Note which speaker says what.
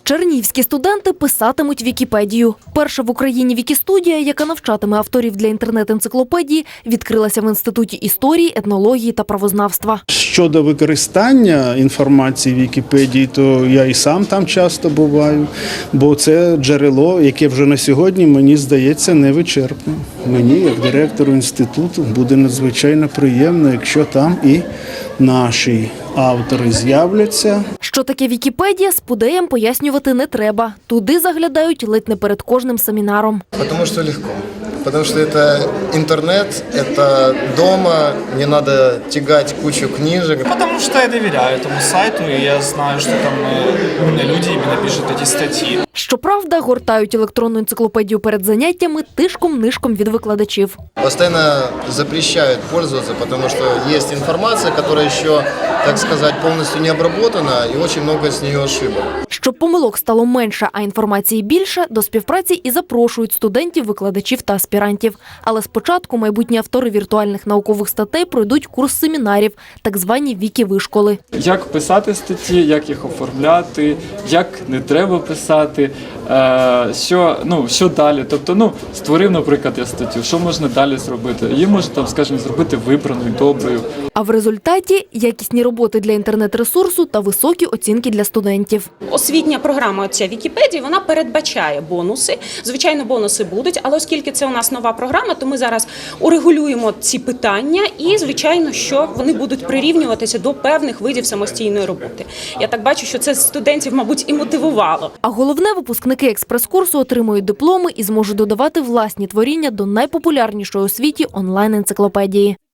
Speaker 1: Чернігівські студенти писатимуть Вікіпедію. Перша в Україні Вікістудія, яка навчатиме авторів для інтернет-енциклопедії, відкрилася в Інституті історії, етнології та правознавства.
Speaker 2: Щодо використання інформації в Вікіпедії, то я і сам там часто буваю, бо це джерело, яке вже на сьогодні, мені здається, невичерпне. Мені, як директору інституту, буде надзвичайно приємно, якщо там і наші автори з'являться.
Speaker 1: Що таке Вікіпедія, спудеям пояснювати не треба. Туди заглядають ледь не перед кожним семінаром.
Speaker 3: Потому что легко. Потому что это интернет, это дома, не надо тягать кучу книжек.
Speaker 4: Потому что я доверяю этому сайту, и я знаю, что там люди именно пишут эти статьи.
Speaker 1: Щоправда, гортають електронну енциклопедію перед заняттями тишком-нишком від викладачів.
Speaker 3: Постоянно запрещают пользоваться, потому что есть информация, которая еще, так сказать, полностью не обработана, и очень много с нее ошибок.
Speaker 1: Щоб помилок стало менше, а інформації більше, до співпраці і запрошують студентів, викладачів та аспірантів. Але спочатку майбутні автори віртуальних наукових статей пройдуть курс семінарів, так звані вікі-вишколи.
Speaker 5: Як писати статті, як їх оформляти, як не треба писати, що далі. Тобто, створив, наприклад, я статтю, що можна далі зробити. Її можна, скажімо, зробити вибраною, доброю.
Speaker 1: А в результаті – якісні роботи для інтернет-ресурсу та високі оцінки для студентів.
Speaker 6: Освітня програма ця Вікіпедії, вона передбачає бонуси. Звичайно, бонуси будуть, але оскільки це у нас нова програма, то ми зараз урегулюємо ці питання і, звичайно, що вони будуть прирівнюватися до певних видів самостійної роботи. Я так бачу, що це студентів, мабуть, і мотивувало.
Speaker 1: А головне, випускники експрес-курсу отримують дипломи і зможуть додавати власні творіння до найпопулярнішої у світі онлайн-енциклопедії.